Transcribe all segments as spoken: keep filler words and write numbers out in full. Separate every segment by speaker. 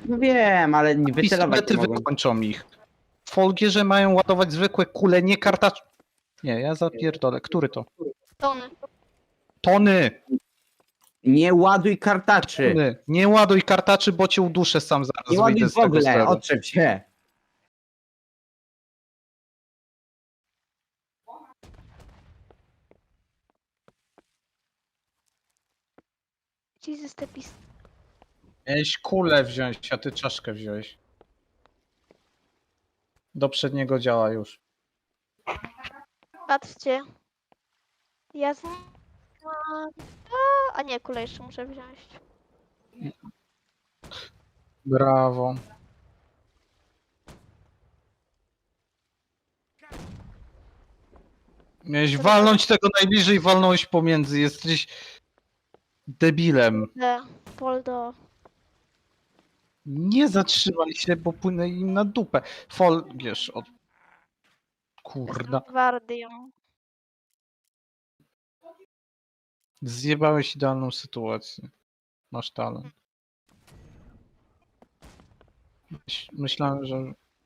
Speaker 1: No wiem, ale nie wycelować
Speaker 2: Pistolety
Speaker 1: nie mogą.
Speaker 2: wykończą ich. Folgierze mają ładować zwykłe kule, nie kartacz... Nie, ja zapierdolę. Który to?
Speaker 3: Tony.
Speaker 2: Tony!
Speaker 1: Nie ładuj kartaczy!
Speaker 2: Tony! Nie ładuj kartaczy, bo cię uduszę sam zaraz.
Speaker 1: Nie ładuj
Speaker 2: wyjdę
Speaker 1: w
Speaker 2: z tego
Speaker 1: ogóle,
Speaker 2: steru.
Speaker 1: otrzep się!
Speaker 3: Jesus, te pist...
Speaker 2: Miałeś kulę wziąć, a ty czaszkę wziąłeś. Do przedniego działa już.
Speaker 3: Patrzcie. Ja z... A, a nie, kulę jeszcze muszę wziąć.
Speaker 2: Brawo. Miałeś walnąć tego najbliżej, walnąłeś pomiędzy. Jesteś debilem.
Speaker 3: D. Poldo.
Speaker 2: Nie zatrzymaj się, bo płynę im na dupę. Folgierz od... Kurda.
Speaker 3: Gwardią.
Speaker 2: Zjebałeś idealną sytuację. Masz talent. Myśl- Myślałem, że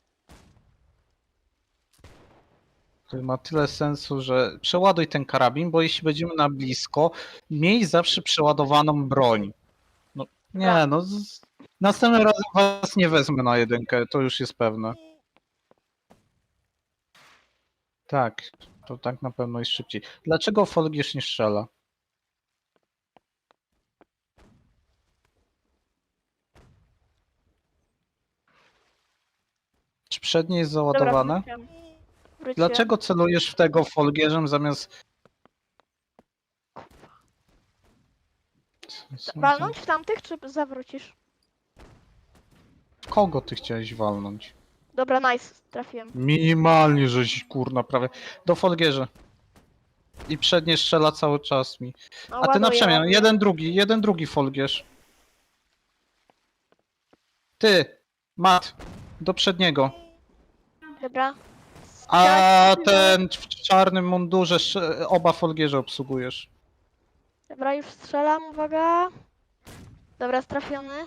Speaker 2: to ma tyle sensu, że przeładuj ten karabin, bo jeśli będziemy na blisko, miej zawsze przeładowaną broń. No, nie, no z... następnym razem was nie wezmę na jedynkę, to już jest pewne. Tak, to tak na pewno jest szybciej. Dlaczego Folgierz nie strzela? Czy przednie jest załadowane?
Speaker 3: Dobra, wróciłem. Wróciłem.
Speaker 2: Dlaczego celujesz w tego Folgierzem zamiast...
Speaker 3: Walnąć w tamtych, czy zawrócisz?
Speaker 2: Kogo ty chciałeś walnąć?
Speaker 3: Dobra, nice. Trafiłem.
Speaker 2: Minimalnie, żeś kurna prawie. Do Folgierza. I przednie strzela cały czas mi.
Speaker 3: No,
Speaker 2: A ty na
Speaker 3: ładuję,
Speaker 2: przemian,
Speaker 3: ładuję.
Speaker 2: jeden drugi, jeden drugi Folgierz. Ty, Mat, do przedniego.
Speaker 3: Dobra.
Speaker 2: A
Speaker 3: Strzelać-
Speaker 2: ten w czarnym mundurze sz- oba Folgierze obsługujesz.
Speaker 3: Dobra, już strzelam, uwaga. Dobra, trafiony.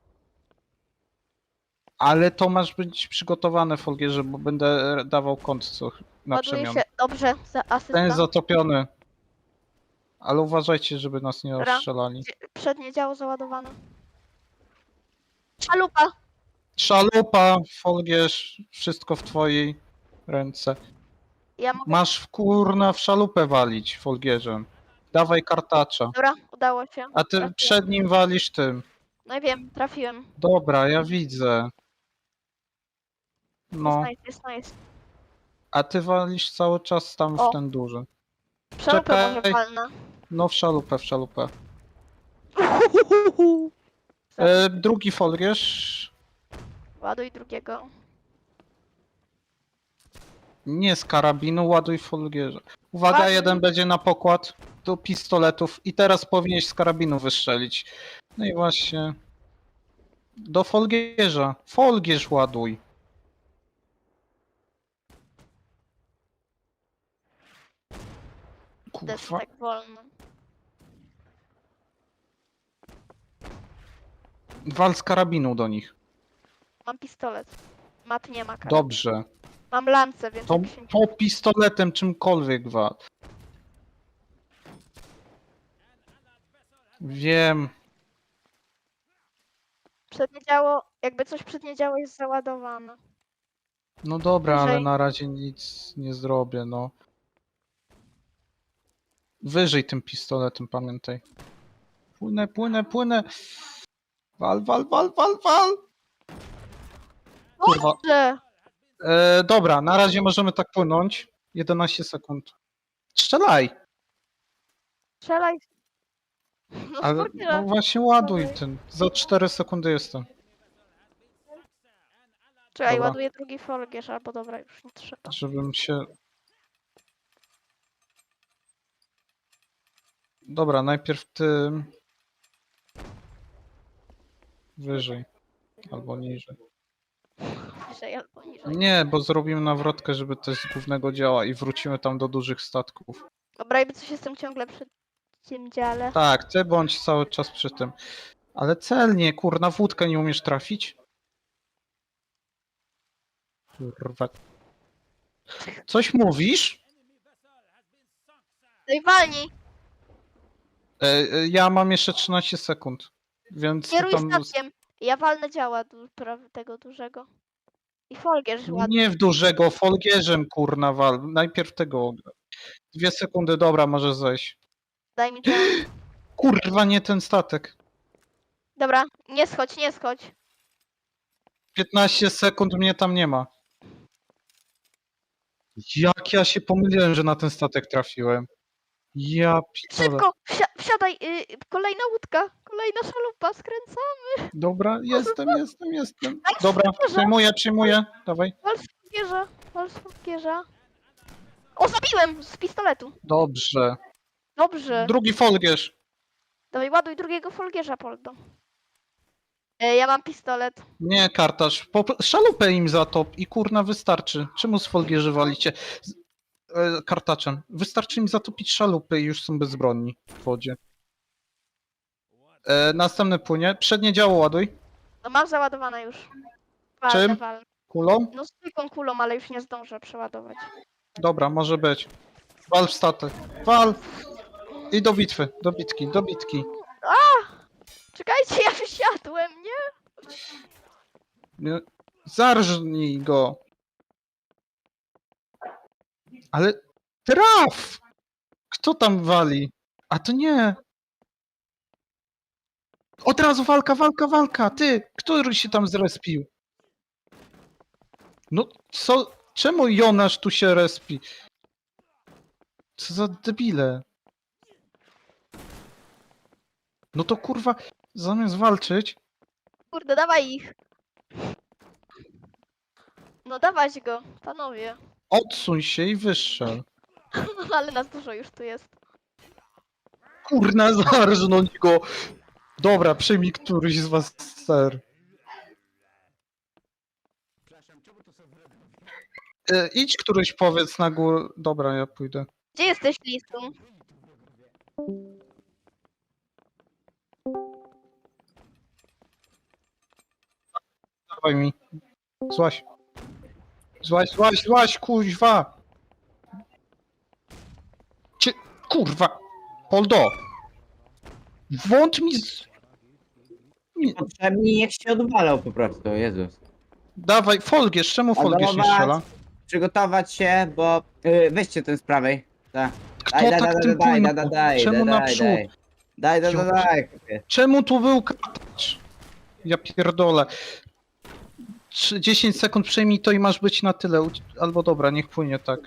Speaker 2: Ale to masz być przygotowane Folgierze, bo będę dawał kąt co na
Speaker 3: Ładuje
Speaker 2: przemian.
Speaker 3: się. Dobrze, za
Speaker 2: Ten
Speaker 3: asysta.
Speaker 2: jest zatopiony. Ale uważajcie, żeby nas nie
Speaker 3: Dobra.
Speaker 2: rozstrzelali.
Speaker 3: Przednie działo załadowane. Szalupa!
Speaker 2: Szalupa, Folgierz, wszystko w twojej ręce.
Speaker 3: Ja mogę...
Speaker 2: Masz w kurna w szalupę walić Folgierzem. Dawaj kartacza.
Speaker 3: Dobra, udało się.
Speaker 2: A ty
Speaker 3: Trafiłem.
Speaker 2: przed nim walisz tym.
Speaker 3: No i wiem, trafiłem.
Speaker 2: Dobra, ja widzę. No,
Speaker 3: Jest nice, jest nice.
Speaker 2: a ty walisz cały czas tam
Speaker 3: O.
Speaker 2: w ten duży.
Speaker 3: Szalupę może
Speaker 2: Czekaj.
Speaker 3: palna.
Speaker 2: No w szalupę, w szalupę. E, drugi Folgierz.
Speaker 3: Ładuj drugiego.
Speaker 2: Nie z karabinu, ładuj Folgierza. Uwaga,
Speaker 3: Ładuj.
Speaker 2: jeden będzie na pokład do pistoletów i teraz powinieneś z karabinu wystrzelić. No i właśnie. Do Folgierza. Folgierz ładuj.
Speaker 3: To jest
Speaker 2: Kurwa.
Speaker 3: tak wolno.
Speaker 2: Wal z karabinu do nich.
Speaker 3: Mam pistolet. Mat nie ma karabinu.
Speaker 2: Dobrze.
Speaker 3: Mam lancę, więc
Speaker 2: To,
Speaker 3: jak się...
Speaker 2: to pistoletem czymkolwiek wal. Wiem.
Speaker 3: Przednie działo, jakby coś przednie działo jest załadowane.
Speaker 2: No dobra, ale
Speaker 3: Wyżej.
Speaker 2: na razie nic nie zrobię, no. Wyżej tym pistoletem, pamiętaj. Płynę, płynę, płynę. Wal, wal, wal, wal, wal. Kurwa.
Speaker 3: Dobrze!
Speaker 2: E, dobra, na razie możemy tak płynąć. jedenaście sekund. Strzelaj!
Speaker 3: Strzelaj! No
Speaker 2: Ale
Speaker 3: spokojnie.
Speaker 2: no właśnie ładuj ten. Za cztery sekundy jestem.
Speaker 3: Czekaj,
Speaker 2: dobra.
Speaker 3: ładuję drugi folgierz, albo dobra, już nie trzeba.
Speaker 2: Żebym się... Dobra, najpierw ty... Wyżej. Albo niżej.
Speaker 3: Niżej albo niżej.
Speaker 2: Nie, bo zrobimy nawrotkę, żeby też z głównego działa i wrócimy tam do dużych statków.
Speaker 3: Dobra, jakby coś jestem ciągle przy tym dziale.
Speaker 2: Tak, ty bądź cały czas przy tym. Ale celnie, kurna, w łódkę nie umiesz trafić? Kurwa. Coś mówisz?
Speaker 3: No i walnij.
Speaker 2: E, e, ja mam jeszcze trzynaście sekund, więc
Speaker 3: Kieruj
Speaker 2: tam
Speaker 3: statkiem. Ja walnę działa du praw- tego dużego. I folgierz ładny.
Speaker 2: nie w dużego, folgierzem, kurna, wal. Najpierw tego. Dwie sekundy, dobra, może zejść.
Speaker 3: Daj mi działa.
Speaker 2: Kurwa, nie ten statek.
Speaker 3: Dobra, nie schodź, nie schodź.
Speaker 2: piętnaście sekund, mnie tam nie ma. Jak ja się pomyliłem, że na ten statek trafiłem. Ja pitole.
Speaker 3: Szybko! Wsi wsiadaj! Y kolejna łódka! Kolejna szalupa, skręcamy!
Speaker 2: Dobra, jestem, jestem, jestem.
Speaker 3: Daj
Speaker 2: Dobra,
Speaker 3: folgierza.
Speaker 2: przyjmuję, przyjmuję. Dawaj.
Speaker 3: Wal z folgierza! Wal z folgierza! O, zabiłem! Z pistoletu!
Speaker 2: Dobrze.
Speaker 3: Dobrze!
Speaker 2: Drugi folgierz.
Speaker 3: Dawaj, ładuj drugiego folgierza, Poldo. E, ja mam pistolet.
Speaker 2: Nie, kartaż. Po, szalupę im zatop i kurna wystarczy. Czemu z folgierzy walicie? Z, e, kartaczem. Wystarczy im zatopić szalupy i już są bezbronni w wodzie. E, następne płynie. Przednie działo ładuj.
Speaker 3: No mam załadowane już. Walnę,
Speaker 2: Czym?
Speaker 3: walnę.
Speaker 2: Kulą?
Speaker 3: No zwykłą kulą, ale już nie zdążę przeładować.
Speaker 2: Dobra, może być. Wal w statek. Wal! I do bitwy, do bitki, do bitki.
Speaker 3: Czekajcie, ja wysiadłem, nie?
Speaker 2: Nie- Zarżnij go. Ale traf! Kto tam wali? A to nie. Od razu walka, walka, walka. Ty, który się tam zrespił? No co? Czemu Jonasz tu się respi? Co za debile. No to kurwa, zamiast walczyć,
Speaker 3: Kurde, dawaj ich. No dawać go, panowie.
Speaker 2: odsuń się i wystrzel.
Speaker 3: Ale nas dużo już tu jest.
Speaker 2: Kurna, zarżnąć go. Dobra, przyjmij któryś z was ser. E, idź któryś powiedz na górę. Dobra, ja pójdę.
Speaker 3: Gdzie jesteś, Lisu?
Speaker 2: Dawaj mi. Złaś. Złaś, złaś, złaś, kuźwa. Cie... Kurwa. Poldo. Włącz mi z... Nie.
Speaker 1: Potrzebni niech się odwalał po prostu, Jezus.
Speaker 2: Dawaj, Folgierz, czemu Folgierz nie strzela?
Speaker 1: Przygotować się, bo... Yy, weźcie ten z prawej. Tak.
Speaker 2: Kto
Speaker 1: Daj, daj,
Speaker 2: tak
Speaker 1: daj,
Speaker 2: tym
Speaker 1: daj,
Speaker 2: płynął?
Speaker 1: daj, daj,
Speaker 2: Czemu
Speaker 1: daj, daj,
Speaker 2: naprzód?
Speaker 1: daj. Daj, daj, daj,
Speaker 2: Ja-
Speaker 1: daj.
Speaker 2: Czemu tu był kartacz? Ja pierdolę. Trzy- dziesięć sekund przejmij to i masz być na tyle. Uci- Albo dobra, niech płynie tak.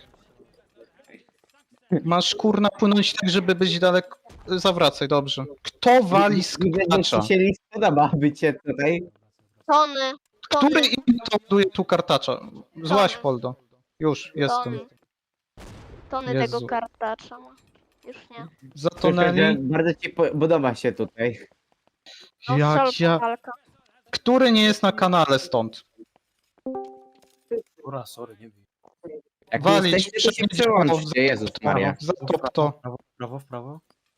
Speaker 2: Masz kurna płynąć tak, żeby być daleko. Zawracaj, dobrze. Kto wali z
Speaker 1: Widzę, że
Speaker 2: kartacza?
Speaker 1: ci się list podoba bycie tutaj.
Speaker 3: Tony. Tony.
Speaker 2: Który im to ładuje tu kartacza? Złaś,
Speaker 3: Tony.
Speaker 2: Poldo. Już, jestem.
Speaker 3: Tony. Tony
Speaker 2: Jezu.
Speaker 3: tego kartacza ma. Już nie.
Speaker 2: Zatonęli.
Speaker 1: Bardzo ci po- podoba się tutaj.
Speaker 3: No,
Speaker 2: Jak
Speaker 3: szalka
Speaker 2: ja...
Speaker 3: walka.
Speaker 2: Który nie jest na kanale stąd?
Speaker 4: Ura, sorry, nie wiem.
Speaker 1: Jak
Speaker 2: Walić,
Speaker 1: nie jesteście, to się
Speaker 2: przebić
Speaker 1: przełączcie, Jezus
Speaker 2: Zatop
Speaker 1: Maria.
Speaker 2: Zatop to.
Speaker 4: Prawo, prawo, w prawo.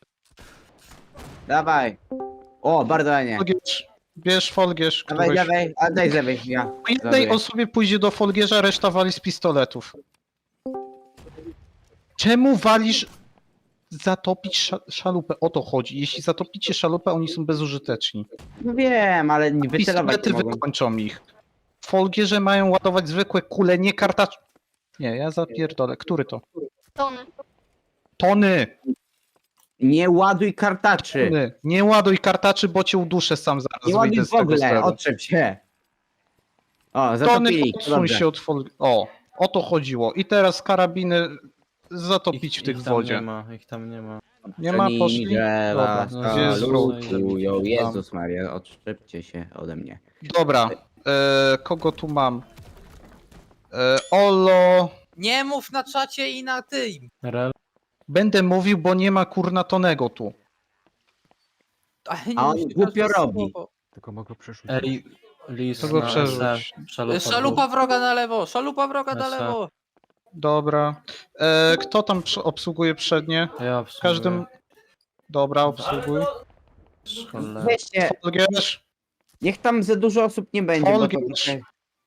Speaker 1: Dawaj. O, bardzo ładnie.
Speaker 2: Folgierz. Bierz Folgierz.
Speaker 1: Dawaj,
Speaker 2: któryś.
Speaker 1: dawaj, a daj z lewej, ja.
Speaker 2: Po jednej
Speaker 1: Zabiję.
Speaker 2: osobie pójdzie do Folgierza, reszta wali z pistoletów. Czemu walisz zatopić sza szalupę? O to chodzi. Jeśli zatopicie szalupę, oni są bezużyteczni.
Speaker 1: No wiem, ale nie wycelować
Speaker 2: Pistolety
Speaker 1: nie mogą.
Speaker 2: wykończą ich. Folgierze mają ładować zwykłe kule, nie kartacz... Nie, ja zapierdolę. Który to?
Speaker 3: Tony.
Speaker 2: Tony!
Speaker 1: Nie ładuj kartaczy.
Speaker 2: Tony. Nie ładuj kartaczy, bo cię uduszę sam zaraz.
Speaker 1: Nie ładuj
Speaker 2: wyjdę
Speaker 1: w
Speaker 2: z tego
Speaker 1: ogóle,
Speaker 2: steru.
Speaker 1: otrzep się. O,
Speaker 2: Tony,
Speaker 1: zatopili.
Speaker 2: odsuń
Speaker 1: Dobrze.
Speaker 2: się od Fol... O, o to chodziło. I teraz karabiny zatopić w tych
Speaker 4: ich tam
Speaker 2: wodzie.
Speaker 4: nie ma, ich tam nie ma.
Speaker 2: Nie ma,
Speaker 1: Oni
Speaker 2: poszli.
Speaker 1: drzewa
Speaker 2: Dobra, no, gdzie jest wróg?
Speaker 1: salutują. Jezus Maria, odszczepcie się ode mnie.
Speaker 2: Dobra, e, kogo tu mam? E, Olo.
Speaker 5: Nie mów na czacie i na tym.
Speaker 4: Rel,
Speaker 2: Będę mówił, bo nie ma kurna Tonego tu.
Speaker 5: Ale nie
Speaker 1: A on
Speaker 5: musi
Speaker 1: głupio
Speaker 5: każde
Speaker 1: robi.
Speaker 5: słowo.
Speaker 6: Tylko mogę przerzucić.
Speaker 4: ej, lis
Speaker 2: To go
Speaker 4: na
Speaker 2: przerzuć.
Speaker 4: S, Szalupa,
Speaker 5: Szalupa wroga na lewo, szalupa wroga na
Speaker 4: Esa.
Speaker 5: lewo.
Speaker 2: Dobra. E, kto tam przy- obsługuje przednie?
Speaker 4: Ja
Speaker 2: W każdym... Dobra, obsługuj.
Speaker 4: Cholera.
Speaker 1: Weźcie,
Speaker 2: Folgierz,
Speaker 1: niech tam za dużo osób nie będzie, bo to
Speaker 2: Folgierz.
Speaker 1: trochę...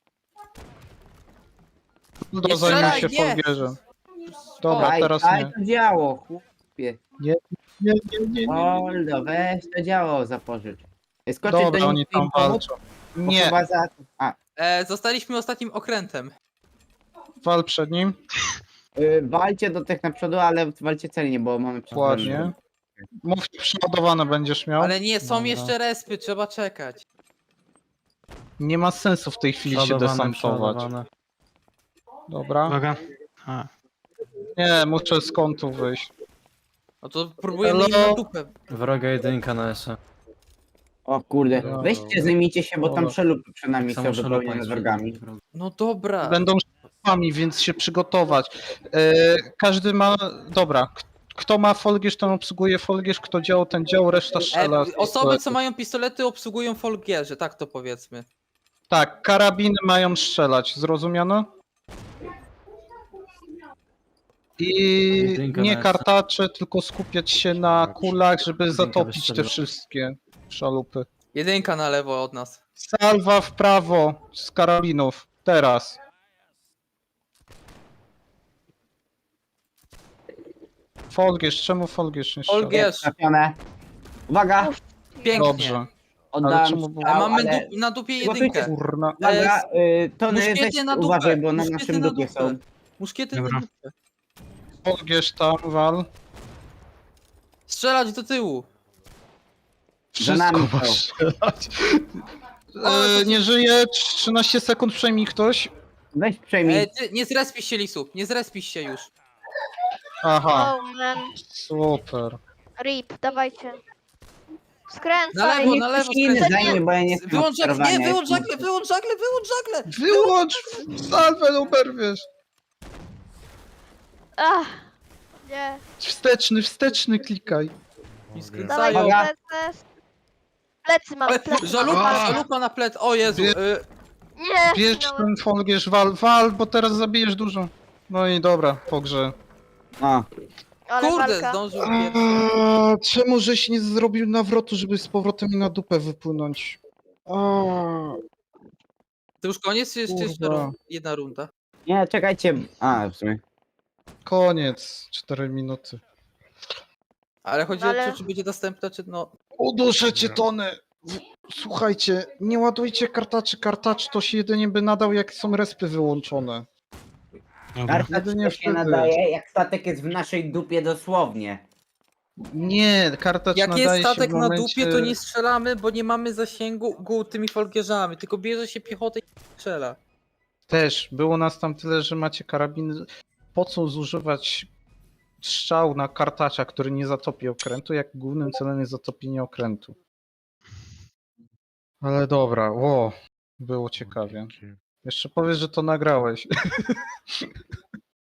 Speaker 2: Ludo
Speaker 5: Nie
Speaker 2: zajmie
Speaker 5: strzelaj,
Speaker 2: się
Speaker 5: nie!
Speaker 2: Folgierzem. Dobra,
Speaker 1: Daj,
Speaker 2: teraz
Speaker 1: daj
Speaker 2: nie.
Speaker 1: to działo, chłopie.
Speaker 2: Nie, nie, nie, nie, nie.
Speaker 1: Oldo, weź to działo zapożycz. Skoczyć
Speaker 2: Dobra,
Speaker 1: do nich
Speaker 2: oni
Speaker 1: i
Speaker 2: tam
Speaker 1: im pomóc,
Speaker 2: walczą.
Speaker 1: bo
Speaker 2: Nie,
Speaker 1: chyba za... A,
Speaker 5: E, zostaliśmy ostatnim okrętem.
Speaker 2: wal przed nim.
Speaker 1: y, walcie do tych na przodu, ale walcie celnie, bo mamy
Speaker 2: Ładnie. Mów, przeładowane będziesz miał.
Speaker 5: Ale nie, są
Speaker 2: Dobra.
Speaker 5: jeszcze respy, trzeba czekać.
Speaker 2: Nie ma sensu w tej chwili się
Speaker 4: Przeładowane,
Speaker 2: desantować.
Speaker 4: przeładowane.
Speaker 2: Dobra.
Speaker 6: Uwaga. A,
Speaker 2: Nie, muszę z kątu wyjść.
Speaker 5: No to próbujemy im
Speaker 2: Hello?
Speaker 5: na dupę.
Speaker 4: Wroga jedynka na S E.
Speaker 1: O kurde,
Speaker 2: Dobra.
Speaker 1: weźcie, zajmijcie się, bo tam
Speaker 2: Dobra.
Speaker 1: przelupy przynajmniej
Speaker 4: Tak
Speaker 1: są
Speaker 4: samo
Speaker 1: wypełnione
Speaker 4: szalupa jest
Speaker 1: wrogami.
Speaker 4: wroga.
Speaker 5: No dobra.
Speaker 2: Będą szefami, więc się przygotować. E, każdy ma... Dobra. K- Kto ma folgierz, ten obsługuje folgierz, kto dział, ten dział, reszta
Speaker 5: E,
Speaker 2: strzela. z
Speaker 5: osoby, co
Speaker 2: pistoletu.
Speaker 5: mają pistolety, obsługują folgierze, tak to powiedzmy.
Speaker 2: Tak, karabiny mają strzelać, zrozumiano? I
Speaker 4: Jedynka
Speaker 2: nie
Speaker 4: na
Speaker 2: kartacze, tylko skupiać się na kulach, żeby
Speaker 4: Jedynka
Speaker 2: zatopić te
Speaker 4: wystrzeliła.
Speaker 2: wszystkie szalupy.
Speaker 5: Jedynka na lewo od nas.
Speaker 2: Salwa w prawo z karabinów. Teraz. Folgierz, czemu Folgierz nie strzela?
Speaker 5: Folgierz,
Speaker 1: Trafione. Uwaga,
Speaker 5: pięknie.
Speaker 2: Dobrze. Ale
Speaker 1: oddałem
Speaker 2: czemu było-
Speaker 5: A
Speaker 1: strzał,
Speaker 5: mamy
Speaker 1: ale...
Speaker 5: dup, na dupie
Speaker 1: Przygotujcie
Speaker 5: jedynkę.
Speaker 2: Kurna.
Speaker 1: Uwaga, y, Tony, weź
Speaker 5: Muszkiety na dupę.
Speaker 1: uważaj, bo na
Speaker 5: muszkiety
Speaker 1: naszym
Speaker 5: na
Speaker 1: dupie
Speaker 5: dupę.
Speaker 1: są.
Speaker 5: Muszkiety
Speaker 6: Dobra.
Speaker 5: na dupę.
Speaker 2: Folgierz tam, wal.
Speaker 5: Strzelać do tyłu.
Speaker 2: Wszystko
Speaker 1: nami
Speaker 2: ma
Speaker 1: są.
Speaker 2: strzelać.
Speaker 5: Ale
Speaker 2: E,
Speaker 5: to-
Speaker 2: nie żyje, trzynaście sekund, przejmij ktoś.
Speaker 1: Weź przejmij.
Speaker 5: E, ty, nie zrespisz się, Lisu. Nie zrespisz się już.
Speaker 2: Aha,
Speaker 3: Oh man.
Speaker 2: super.
Speaker 3: Rip, dawajcie. Skręcaj.
Speaker 5: Na lewo,
Speaker 1: Niech
Speaker 5: na lewo
Speaker 1: ktoś inny
Speaker 5: skręcaj.
Speaker 1: zajmie, bo ja nie chcę
Speaker 5: Wyłącz żagle, nie,
Speaker 1: sterowania,
Speaker 5: wyłącz
Speaker 1: jestem-
Speaker 5: żagle, wyłącz żagle, wyłącz żagle.
Speaker 2: Wyłącz salwę, oberwiesz.
Speaker 3: Ach. Nie.
Speaker 2: Wsteczny, wsteczny klikaj.
Speaker 5: I
Speaker 3: Dawaj,
Speaker 5: skręcają.
Speaker 1: Uwaga.
Speaker 3: plecy. Plecy mamy,
Speaker 5: Ale
Speaker 3: plecy.
Speaker 5: żalupa,
Speaker 2: A.
Speaker 5: żalupa na plec. O Jezu.
Speaker 2: Wie-
Speaker 5: Y,
Speaker 3: Nie.
Speaker 2: Bierz
Speaker 3: no.
Speaker 2: ten folgierz, wal, wal, bo teraz zabijesz dużo. No i dobra, po grze.
Speaker 1: O,
Speaker 3: Ale
Speaker 5: kurde,
Speaker 3: walka.
Speaker 5: zdążył pierwszy.
Speaker 2: Eee, czemu żeś nie zrobił nawrotu, żeby z powrotem mi na dupę wypłynąć? Eee,
Speaker 5: To już koniec, czy jeszcze, jeszcze
Speaker 2: Kurwa.
Speaker 5: run- jedna runda?
Speaker 1: nie, czekajcie. A, w sumie.
Speaker 2: koniec, cztery minuty.
Speaker 5: Ale chodzi
Speaker 3: Ale-
Speaker 5: o to, czy będzie następna, czy no...
Speaker 2: Uduszę cię, Tony! W- Słuchajcie, nie ładujcie kartaczy, kartacz to się jedynie by nadał, jak są respy wyłączone.
Speaker 6: dobra.
Speaker 1: Karta
Speaker 2: Jedynie
Speaker 1: się
Speaker 2: wtedy.
Speaker 1: nadaje, jak statek jest w naszej dupie dosłownie.
Speaker 2: Nie, kartacz
Speaker 5: Jak
Speaker 2: nadaje
Speaker 5: jest
Speaker 2: się
Speaker 5: statek
Speaker 2: w
Speaker 5: na
Speaker 2: momencie...
Speaker 5: dupie, to nie strzelamy, bo nie mamy zasięgu gu tymi folgierzami, tylko bierze się piechotę i strzela.
Speaker 2: Też, było nas tam tyle, że macie karabiny. Po co zużywać strzał na kartacza, który nie zatopi okrętu, jak głównym celem jest zatopienie okrętu? Ale dobra, ło, było ciekawie. Jeszcze powiedz, że to nagrałeś.